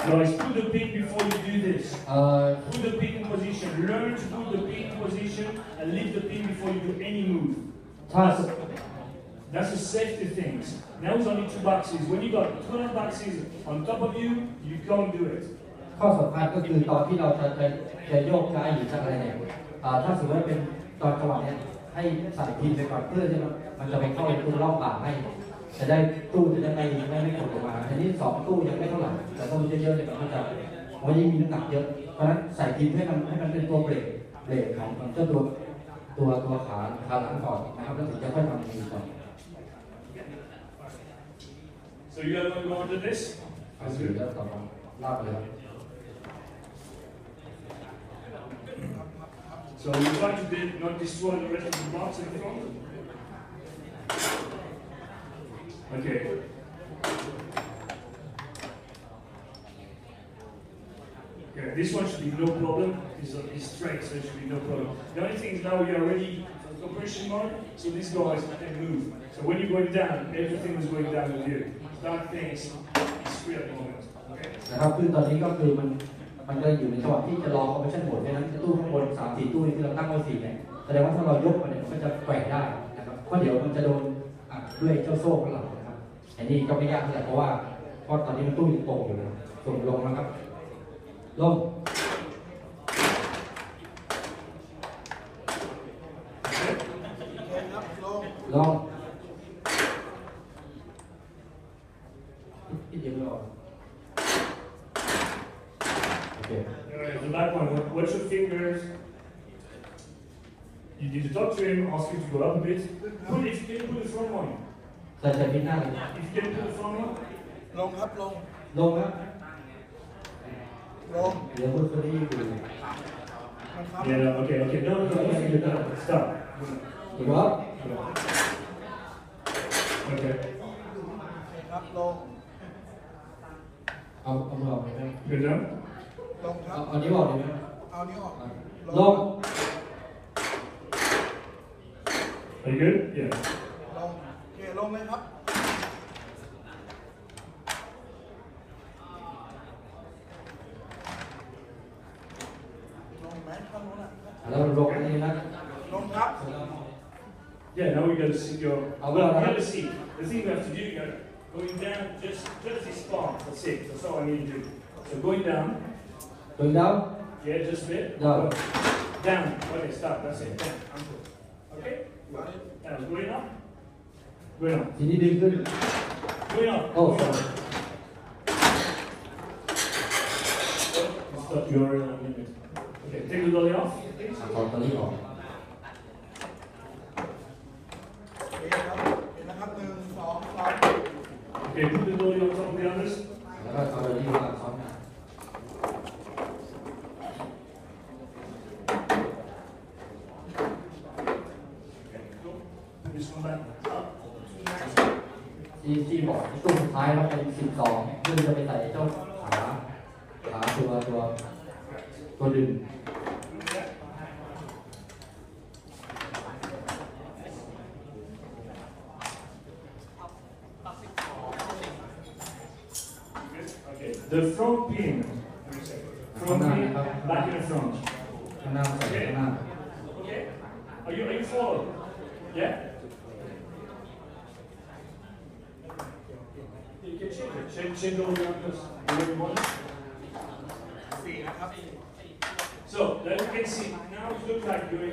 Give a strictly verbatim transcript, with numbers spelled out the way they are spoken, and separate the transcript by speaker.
Speaker 1: Guys, put the pin before you do this.
Speaker 2: เอ่อ
Speaker 1: Put the pin in position. Learn to put the pin in position and leave the pin before you do any move.
Speaker 2: ถ้า
Speaker 1: That's the safety things. Now it's only two boxes. When you got twelve boxes on top of you, you can't do it.
Speaker 2: ข้อสำคัญก็คือตอนที่เราจะจะจะโยกย้ายหรือจะอะไรเนี่ยอ่าถ้าสมมติว่าเป็นตอนจังหวะเนี้ยให้ใส่พินไปก่อนเพื่อที่มันมันจะไปเข้าในตู้รอบบ่าให้จะได้ตู้จะได้ไม่ไม่ไม่กดลงมาทีนี้สองตู้ยังไม่เท่าไหร่แต่ตู้เยอะๆเนี่ยมันจะเพราะยิ่งมีน้ำหนักเยอะเพราะฉะนั้นใส่พินให้มันให้มันเป็นตัวเบรกเบรกของของเจ้าตัวตัวตัวขาขาหลังก่อนนะครับแล้วถึงจะค่อยทำมือก่อน
Speaker 1: So you guys want to go on to this?
Speaker 2: เอาสื่อแล้วต่อมาลากไปเลย
Speaker 1: So you try to did not destroy the rest of the box in front. Okay. Okay, this one should be no problem. It's, uh, it's straight, so it should be no problem. The only thing is now we are ready for compression mode, so these guys can move. So when you're going down, everything is going down with you. That thing is free at the moment. Okay?
Speaker 2: นะครับคือตอนนี้ก็คือมันมันก็อยู่ในจังหวะที่จะรอคอมเพรสชั่นโหมดเพราะฉะนั้นตู้ข้างบนสามสี่ตู้ที่เราตั้งไว้สี่เนี่ยแสดงว่าถ้าเรายกมันเนี่ยมันก็จะแกว่งได้นะครับเพราะเดี๋ยวมันจะโดนอัดด้วยเจ้าโซ่ข้างหลังนะครับอันนี้ก็ไม่ยากเท่าไหร่เพราะว่าเพราะตอนนี้มันตู้ยังตรงอยู่นะส่งลงนะครับลงลงอีกเดียวไม่ออก Okay.
Speaker 1: Alright, the back one. Watch your fingers. You need to talk to him, ask him to go up a bit. Pull if you can put the front one.
Speaker 2: ใส่ใส่พินหน้าเลย
Speaker 1: If you can put the front one.
Speaker 3: ลงครับลง
Speaker 2: ลงครับ
Speaker 3: ลง
Speaker 2: เดี๋ยวพูดคนนี้อยู่
Speaker 3: มันครับ
Speaker 1: Yeah, okay, okay. No, no, no, no, no, no. Stop.
Speaker 2: ถูกครับ
Speaker 1: Okay.
Speaker 3: ครับลง
Speaker 2: เอาเอามือออกเลยไหม
Speaker 1: Good now?
Speaker 3: ลงครั
Speaker 2: เอา
Speaker 3: บ
Speaker 2: เอานิ้วออกเลยไหม
Speaker 3: เอานิ้วออก
Speaker 2: ลง
Speaker 1: Are you good? Yeah.
Speaker 3: ลงโอเคลงเลยครับลงไหมข้างโน้นอ่ะ
Speaker 2: แล้วลงอันนี้นะ
Speaker 3: ลงครับ
Speaker 1: Yeah, now we got to see your.
Speaker 2: I'll
Speaker 1: Well,
Speaker 2: go
Speaker 1: we
Speaker 2: around.
Speaker 1: got to see. The thing we have to do, you got going down, just just this part. That's it. That's all I need to do. So going down.
Speaker 2: ลงดาว
Speaker 1: Yeah, just a bit.
Speaker 2: Down.
Speaker 1: Down. Okay, stop. That's it. Down. I'm good. Okay. That was good enough. Good enough.
Speaker 2: ทีนี้ดึงขึ้น
Speaker 1: Good enough.
Speaker 2: โอ้สอง
Speaker 1: Stop your uh, limit. Okay, take the dolly off, please.
Speaker 2: ถอดตัวนี้ออก
Speaker 3: โอเคครับเห็นนะครับหนึ่งสองสาม
Speaker 1: Okay, put the dolly on top of the others.
Speaker 2: แล้วก็เอาตัวนี้วางซ้อนกัน
Speaker 1: Okay, cool. Put this one back up.
Speaker 2: ที่ที่บอกตู้สุดท้ายเราเป็นสิบสองเพื่อจะไปใส่เจ้าขาขาตัวตัวตัวดึง
Speaker 1: Okay, the front pin. Front pin, back in the front.
Speaker 2: ข้างหน้าใส่ข้างหน้า
Speaker 1: Okay? Are you, are you following? Yeah? You can change it. Change, change all the numbers. The way you want it.
Speaker 3: สี่นะครับ
Speaker 1: So, then you can see, now it looks like you're